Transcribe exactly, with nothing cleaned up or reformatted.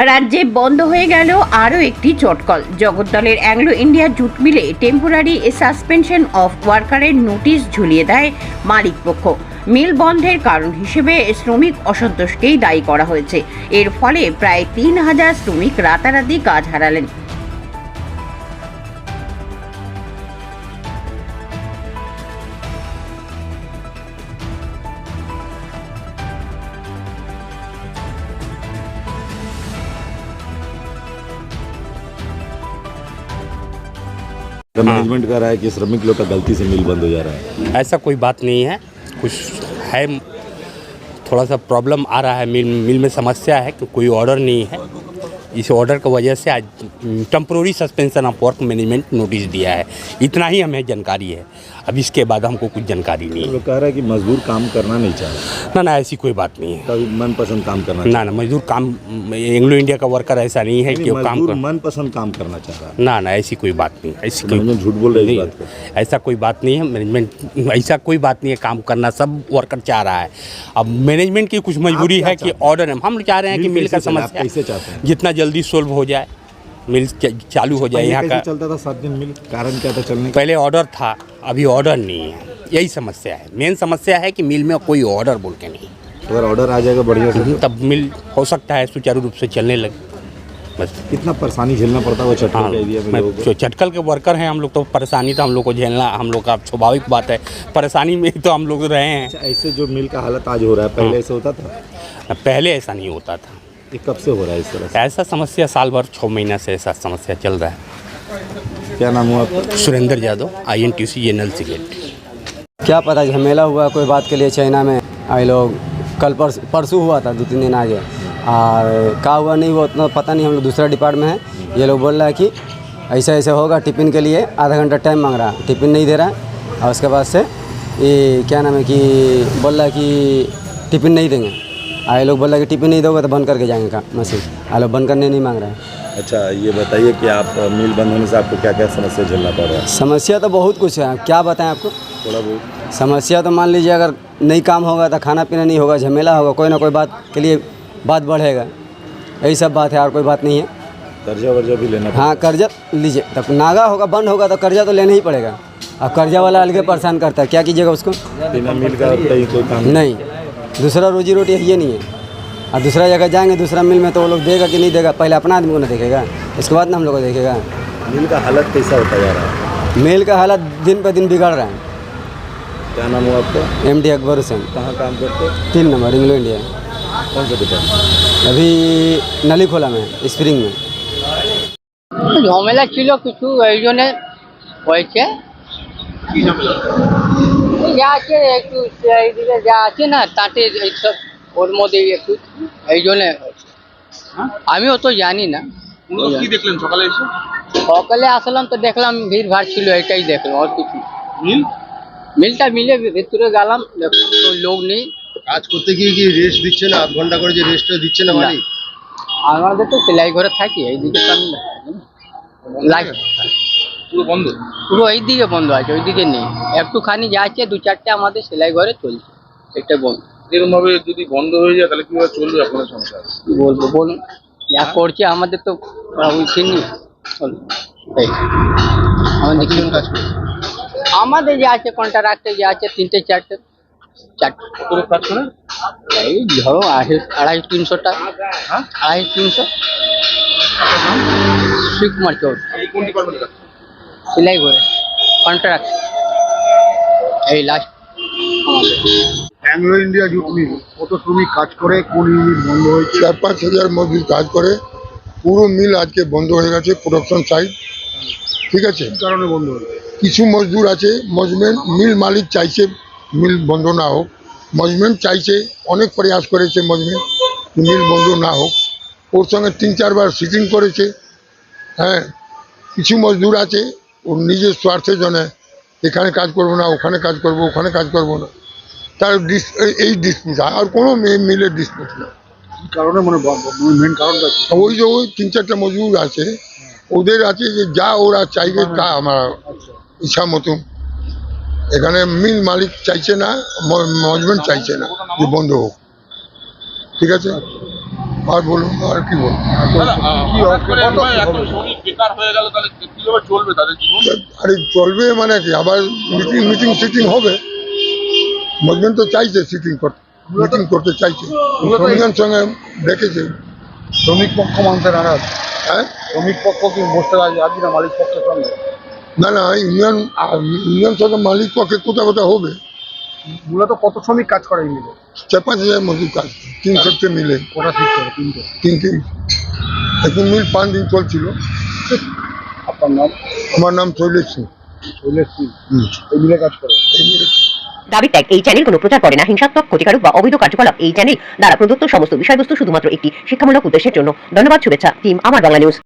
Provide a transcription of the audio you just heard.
রাজ্যে বন্ধ হয়ে গেল আরও একটি চটকল। জগদ্দলের অ্যাংলো ইন্ডিয়া জুট মিলে টেম্পোরারি সাসপেনশন অফ ওয়ার্কারের নোটিশ ঝুলিয়ে দেয় মালিকপক্ষ। মিল বন্ধের কারণ হিসেবে শ্রমিক অসন্তোষকেই দায়ী করা হয়েছে। এর ফলে প্রায় তিন হাজার শ্রমিক রাতারাতি কাজ হারালেন। मैनेजमेंट कह रहा है कि श्रमिक लोग का गलती से मिल बंद हो जा रहा है। ऐसा कोई बात नहीं है, कुछ है, थोड़ा सा प्रॉब्लम आ रहा है, मिल मिल में समस्या है कि कोई ऑर्डर नहीं है। इस ऑर्डर की वजह से आज temporary suspension of work management notice दिया है। इतना ही हमें जानकारी है, अब इसके बाद हमको कुछ जानकारी नहीं है। लोग कह रहा है कि मजदूर काम करना नहीं चाह रहा। ना ना ऐसी कोई बात नहीं है, कभी मनपसंद काम करना ना ना मजदूर काम, एंग्लो इंडिया का वर्कर ऐसा नहीं है कि वो काम कर मनपसंद काम करना चाह रहा है। ना ना ऐसी कोई बात नहीं, ऐसी कोई मैनेजमेंट झूठ बोल रही है इस बात पे। ऐसा कोई बात नहीं है। मैनेजमेंट ऐसा कोई बात नहीं है, काम करना सब वर्कर चाह रहा है। अब मैनेजमेंट की कुछ मजबूरी है कि ऑर्डर है, हम चाह रहे हैं कि मिल का समस्या कैसे चाहते हैं जितना जल्दी सोल्व हो जाए, मिल चालू हो जाए। यहाँ का चलता था सात दिन मिल, कारण क्या था चलने? पहले ऑर्डर था, अभी ऑर्डर नहीं है, यही समस्या है। मेन समस्या है कि मिल में कोई ऑर्डर बोल के नहीं। अगर ऑर्डर आ जाएगा बढ़िया से तब मिल हो सकता है सुचारू रूप से चलने लगे। बस कितना परेशानी झेलना पड़ता है वो चटकल हाँ, के एरिया में मैं लोगों को? जो चटकल के वर्कर हैं हम लोग, तो परेशानी तो हम लोग को झेलना हम लोग का स्वाभाविक बात है। परेशानी में तो हम लोग रहे हैं। अच्छा, ऐसे जो मिल का हालत आज हो रहा है, पहले ऐसे होता था? पहले ऐसा नहीं होता था। ये कब से हो रहा है इस तरह से? ऐसा समस्या साल भर छः महीना से ऐसा समस्या चल रहा है। क्या नाम हुआ आपका? Surendra Yadav, I N T C general cigarette. क्या पता झमेला हुआ कोई बात के लिए चाइना में आए लोग। कल परस परसों हुआ था, दो तीन दिन आगे, और क्या हुआ नहीं हुआ उतना पता नहीं। हम लोग दूसरा डिपार्टमेंट में है, ये लोग बोल रहा है कि ऐसा ऐसा होगा, टिफ़िन के लिए आधा घंटा टाइम मांग रहा है, टिफ़िन नहीं दे रहा है। और उसके बाद से ये क्या नाम है कि बोल रहा है कि टिफ़िन नहीं देंगे। आए लोग बोल रहा है कि टिफ़िन नहीं दोगे तो बंद करके जाएंगे का मशीन। आए लोग बंद करने नहीं मांग रहे हैं। अच्छा, ये बताइए कि आप मिल बंद होने से आपको क्या क्या समस्या झेलना पड़ रहा है? समस्या तो बहुत कुछ है, क्या बताएं आपको। थोड़ा बहुत समस्या तो मान लीजिए अगर नहीं काम होगा तो खाना पीना नहीं होगा, झमेला होगा, कोई ना कोई बात के लिए बात बढ़ेगा, यही सब बात है, और कोई बात नहीं है। कर्जा वर्जा भी लेना हाँ, कर्जा लीजिए, तब नागा होगा, बंद होगा तो कर्जा तो लेना ही पड़ेगा। अब कर्जा वाला अलग परेशान करता है, क्या कीजिएगा उसको? बिना मिल का कहीं कोई काम नहीं, दूसरा रोजी रोटी ये नहीं है। और दूसरा जगह जाएंगे दूसरा मिल में तो वो लोग देगा कि नहीं देगा, पहले अपना आदमी को ना देखेगा, इसके बाद ना हम लोग को देखेगा। मिल का हालत कैसा होता जा रहा है? मिल का हालत दिन पर दिन बिगड़ रहा है। क्या नाम हुआ आपका? एम डी अकबर हुसैन, कहाँ काम करते हो? तीन नंबर इंग्लो इंडिया। कौन सा डिपार्टमेंट? अभी नली खोला में, स्प्रिंग में। ঝামেলা ছিল কিছু, এই জন্যে হয়েছে। যা আছে একটু এইদিকে যা আছে না তাতে এইসব ওর মধ্যেই একটু এই জন্যে হয়েছে। আমিও তো জানি না। কি দেখলেন সকালে এসে? সকালে আসলাম তো দেখলাম ভিড় ভাড় ছিল, এটাই দেখলাম, আর কিছু না। মিল মিলটা মিলে ভিতরে গেলাম, দেখলাম তো লোক নেই। কাজ করতে গিয়ে কি রেস্ট দিচ্ছে না? আধ ঘন্টা করে যে রেস্টটা দিচ্ছে না মালিক? আমাদের তো সেলাই ঘরে থাকি, এইদিকে তো আমি লাইট পুরো বন্ধ? পুরো এইদিকে বন্ধ আছে, ওইদিকে নেই। একটুখানি যাচ্ছে, দু চারটে আমাদের সেলাই ঘরে চলছে, এটা বন্ধ। এরকম ভাবে যদি বন্ধ হয়ে যায় তাহলে কিভাবে চলবে আপনার সংসার? কি বলবো বলুন, যা করছে আমাদের তো উচিনি আমাদের কি কাজ করে আমাদের যে আছে কন্ট্রাক্টে যে আছে তিনটে চারটে চারটে করে কাজ করে? এই ধরো আড়াই আড়াই তিনশো টাকা। হ্যাঁ, আড়াই তিনশো শিবকুমার চৌধুরী, কোন ডিপার্টমেন্টে? সেলাই ঘরে কন্ট্রাক্ট, এই লাস্ট আমাদের। অ্যাংলো ইন্ডিয়া জুট মিল কত শ্রমিক কাজ করে, কোন ইউনিট বন্ধ হয়েছে? চার পাঁচ হাজার মজদুর কাজ করে, পুরো মিল আজকে বন্ধ হয়ে গেছে, প্রোডাকশন সাইড। ঠিক আছে, কি কারণে বন্ধ হয়েছে? কিছু মজদুর আছে, মজমেন্ট মিল মালিক চাইছে মিল বন্ধ না হোক, মজমেন্ট চাইছে, অনেক প্রয়াস করেছে মজমেন্ট মিল বন্ধ না হোক, ওর সঙ্গে তিন চারবার সিটিং করেছে। হ্যাঁ, কিছু মজদুর আছে ওর নিজের স্বার্থের জন্য এখানে কাজ করবো না, ওখানে কাজ করবো, ওখানে কাজ করবো না, তার এই ডিসপিউট, আর কোনো মিলের ডিসপিউট না। কি কারণে মানে মেন কারণটা কি? ওই যে ওই তিন চারটা মজদুর আছে, ওদের আছে যে যা ওরা চাইবে তা আমার ইচ্ছা মতো। এখানে মিল মালিক চাইছে না, ম্যানেজমেন্ট চাইছে না যে বন্ধ হোক। ঠিক আছে। আর বলুন আর কি বলুন কি হবে? কত কি হবে? আরে চলবে মানে কি আবার মিটিং মিটিং সিটিং হবে মজমেন তো চাইছে সিটিং করতে মিটিং করতে চাইছে শ্রমিকের সঙ্গে ডেকেছে শ্রমিক পক্ষ মানতে নারাজ। হ্যাঁ শ্রমিক পক্ষ কি বসতে রাজি রাজি না মালিক পক্ষের সঙ্গে? না না ইউনিয়ন ইউনিয়ন সঙ্গে মালিক পক্ষে কোথাও কোথাও হবে মূলত কত শ্রমিক কাজ করে এই মিলে? চার পাঁচ হাজার মজুর কাজ তিন সপ্তাহে মিলে ওটা ঠিক করে তিনটে। তিনটে এখন মিল পাঁচ দিন চলছিল। আপনার নাম? আমার নাম শৈলেশ সিং। শৈলেশ সিং এই মিলে কাজ করে। এই মিলে দাবি ত্যাগ এই চ্যানেল কোনো প্রচার করে না হিংসাত্মক ক্ষতিকারক বা অবৈধ কার্যকলাপ এই চ্যানেল দ্বারা প্রদত্ত সমস্ত বিষয়বস্তু শুধুমাত্র একটি শিক্ষামূলক উদ্দেশ্যের জন্য। ধন্যবাদ, শুভেচ্ছা টিম আমার বাংলা নিউজ।